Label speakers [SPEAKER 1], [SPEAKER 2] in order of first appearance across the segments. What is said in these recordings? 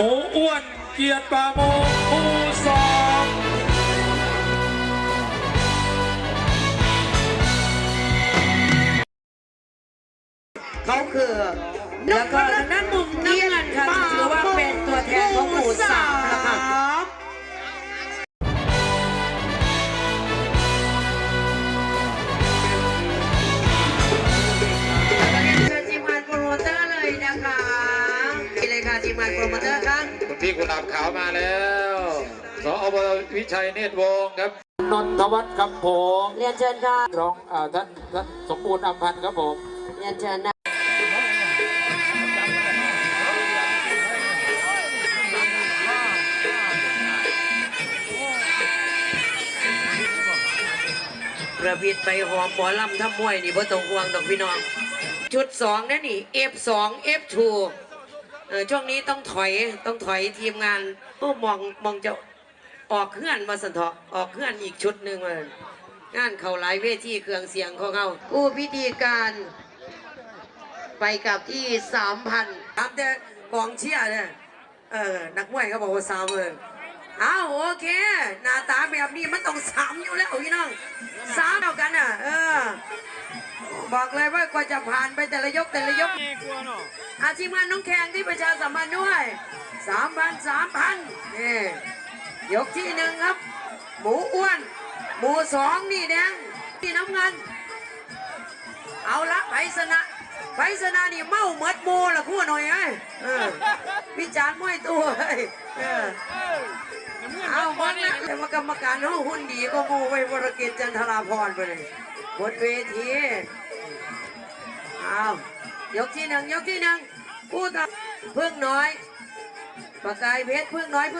[SPEAKER 1] มูอ้วนเกียรติปาโมกคู่สอง
[SPEAKER 2] เขาคือแล้วก็ทางด้านมุมน้ำเงินค่ะถือว่าเป็นตัวแทนของหมู่สามนะคะเชิญทีมงานโปรโมเตอร์เลยนะคะนี่เลยค่ะทีมงานโปรโมเตอร์ค่ะ
[SPEAKER 1] คุณพี่กุหลาบขาวมาแล้วสอบวิชัยเนตรวงศ์ครับนนทวัฒน์ครับผม
[SPEAKER 2] เรียนเชิญค่ะ
[SPEAKER 1] รองท่านสมบูรณ์อำพันธ์ครับผม
[SPEAKER 2] เรียนเชิญนะประพิดไปหอมหมอลำทำมวยนี่บ่ต้องห่วงดอกพี่น้องชุด2นั่นนี่ F2 F2 ช่วงนี้ต้องถอยทีมงานก็มองจะออกเคลื่อนมาสันเถาะออกเคลื่อนอีกชุดหนึ่งเลยงานเขาหลายเวทีเครื่องเสียงของเขากู้พิธีการไปกับที่3,000ตามแต่กองเชียร์เนี่ยนักมวยเขาบอกว่า30,000อ้าวโอเคหน้าตาแบบนี้มันต้อง3อยู่แล้วพี่น้อง3เท่ากันอ่ะบอกเลยว่ากว่าจะผ่านไปแต่ละยกอาชีพงานน้องแข่งที่ประชาสัมพันธ์ด้วย3,000นี่ยกที่1ครับหมูอ้วนหมู2นี่แดงที่น้ำเงินเอาละไพศาลนี่เมาเหมือดโมละคู่หน่อยวิจารณ์มวยตัวเอาบ้างนะแต่ว่ากรรมการเขาหุ่นดีก็โมไว้วรกิจจันทราพรไปเลยบนเวทีเอายกที่ 1ผู้ทำพึ่งน้อยประกายเพชรพึ่งน้อย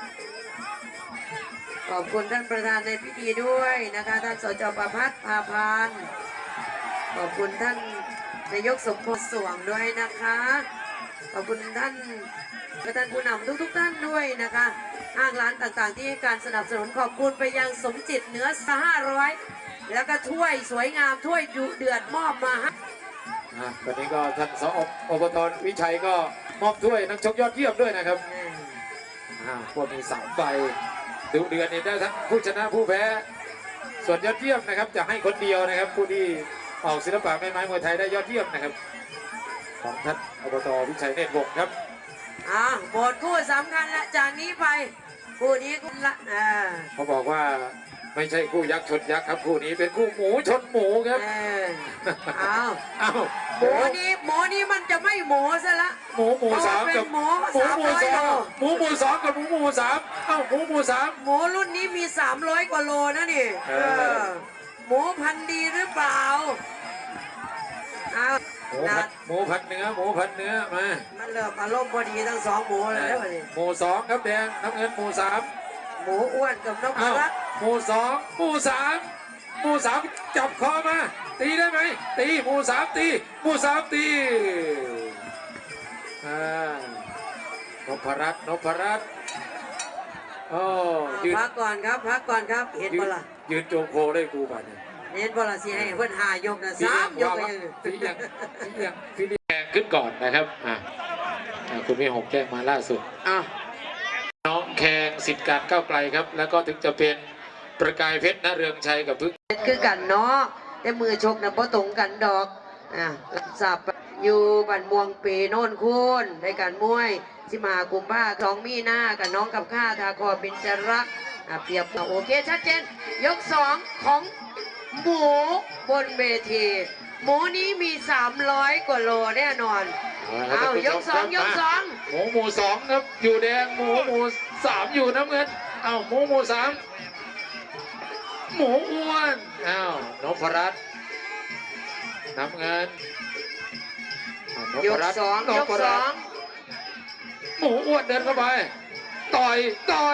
[SPEAKER 2] ขอบคุณท่านประธานในพิธีด้วยนะคะท่านสจประภัสพาพานขอบคุณท่านนายกสมพงษ์สวงด้วยนะคะขอบคุณท่านผู้นำทุกท่านด้วยนะคะห้างร้านต่างๆที่ให้การสนับสนุนขอบคุณไปยังสมจิตเนื้อ500แล้วก็ถ้วยสวยงามถ้วยดุเดือดมอบมา
[SPEAKER 1] วันนี้ก็ท่านสอบตวิชัยก็มอบถ้วยนักชกยอดเยี่ยมด้วยนะครับพวกมี3 ใบดุเดือดนี่ได้ทั้งผู้ชนะผู้แพ้ส่วนยอดเยี่ยมนะครับจะให้คนเดียวนะครับผู้ที่ออกศิลปะแม่ไม้มวยไทยได้ยอดเยี่ยมนะครับของท่านอบตวิชัยเนตรวงศ์ครับ
[SPEAKER 2] หมดคู่สำคัญละจากนี้ไปคู่นี้คู่ละ
[SPEAKER 1] เขาบอกว่าไม่ใช่คู่ยักษ์ชนยักษ์ครับคู่นี้เป็นคู่หมูชนหมูครับ
[SPEAKER 2] หมูนี้มันจะไม่หมูซะละ
[SPEAKER 1] หมู3กับหมู2กับหมู3หมู3
[SPEAKER 2] หมูรุ่นนี้มี300 กว่าโลนะนี่หมูพันดีหรือเปล่า
[SPEAKER 1] หมูพันเนื้อมา
[SPEAKER 2] มันเริ่มอารมณ์พอดีทั้ง2หมูเลยนะวันนี้
[SPEAKER 1] หมู2ครับแดงน้ำเงินหมู3
[SPEAKER 2] หมูอ้วนกับน้องรัก
[SPEAKER 1] หมู2หมู3จับคอมาตีได้ไหมตีหมู3ตีนพรัตน์
[SPEAKER 2] พักก่อนครับเห็นบ่ล่ะ
[SPEAKER 1] ยืนโจงโคได้กูป่ะเนี่ย
[SPEAKER 2] เห็นบ่ล่ะสิให้เพิ่น5 ยกนะ3 ยกก็ยัง
[SPEAKER 1] พี่แดงขึ้นก่อนนะครับคุณพี่6แจ้งมาล่าสุดน้องแขงสิทธิ์การก้าวไกลครับแล้วก็ถึงจะเป็นประกายเพชรณเรืองชัยกับพึ่ง
[SPEAKER 2] คือกันเนาะแต่มือชกนะบ่ตรงกันดอกสับอยู่บันม่วงปีโน่นคุณในการมวยที่มากุมภา2 มีนากับน้องกับข้าทาคอบินจรักเปรียบโอเคชัดเจนยก2ของหมูบนเวทีหมูนี้มี300 กว่าโลแน่นอนยก2
[SPEAKER 1] หมู2ครับอยู่แดงหมู3อยู่น้ำเงินหมู3หมูอ้วนนพรัตน์น้ำเงิน
[SPEAKER 2] ยก2
[SPEAKER 1] หมูอ้วนเดินเข้าไปต่อย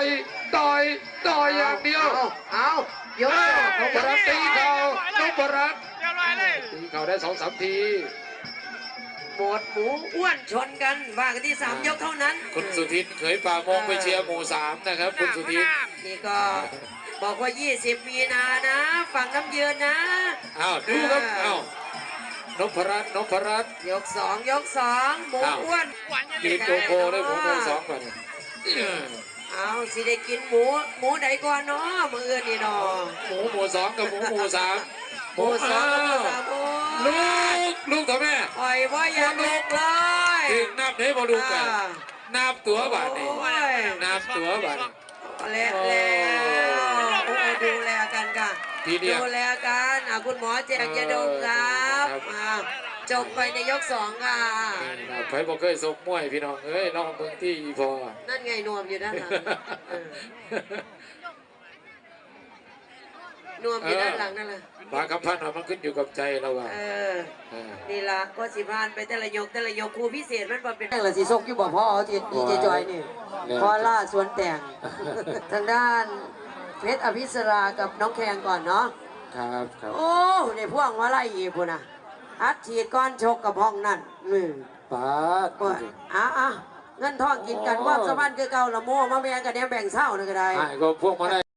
[SPEAKER 1] อย่างเดียวยก2นพรัตน์ตีเข่านพรัตน์ตีเข่าได้2-3 ที
[SPEAKER 2] หมดหมูอ้วนชนกันว่ากันที่3 ยกเท่านั้น
[SPEAKER 1] คุณสุทินเขยป่ามงไปเชียร์หมู3นะครับคุณสุทิน
[SPEAKER 2] นี่ก็บอกว่า20 มีนานะฝั่งน้ำเยือนนะ
[SPEAKER 1] ดูครับนพรัตน์นพรัตน์
[SPEAKER 2] ยกสองยกสองหมูอ้วน
[SPEAKER 1] กินโกโก้เลยหมูโกสองก่อน
[SPEAKER 2] เอาสิได้กินหมูใดก่อนเนาะมืออื่นนี่เนาะ
[SPEAKER 1] หมูสองกับหมูสาม
[SPEAKER 2] หมูสองกับหมูสามโอ้
[SPEAKER 1] ลูกต่อแม่
[SPEAKER 2] ปล่อยว่าอย่าลุกเลย
[SPEAKER 1] ถึงนับไหนบอลูกกันนับตัวบาทนี่
[SPEAKER 2] โอ้ย
[SPEAKER 1] นับตัวบาท
[SPEAKER 2] แล้วโอ้ดูแลกันค่ะ
[SPEAKER 1] ทีเดียว
[SPEAKER 2] ดูแลกันคุณหมอแจกยาดมครับจบไปในยกสองค่ะ
[SPEAKER 1] ใครบอกเคยสกมวยพี่น้องเอ้ยน้องเมืองที่อีพอ
[SPEAKER 2] นั่นไงนวมอยู่ด้านหลังนวมอยู่ด้านหลังนั่นแหละ
[SPEAKER 1] บางคำพันธ์มันขึ้นอยู่กับใจเราว่า
[SPEAKER 2] นี่ละก็สิพานไปแต่ละยกครูพิเศษมันเป็น
[SPEAKER 3] นั่นแหละสีส้มที่บอกพ่อเอาดีเจจอยนี่พอล่าสวนแต่ง ทางด้านเพชรอภิสรากับน้องแขงก่อนเนาะ
[SPEAKER 1] ครับครับ
[SPEAKER 3] โอ้ในพวกมาไล่อีกพุ่นนะอัดฉีดก้อนชกกับห้องนั่น
[SPEAKER 1] ป้า
[SPEAKER 3] ว่าเงินทองกินกันความสมพันธ์คือเก่าละโม่มาแบ่งกันเนี่ยแบ่งเศร้านึงก็ได้
[SPEAKER 1] ก็พวกมาได้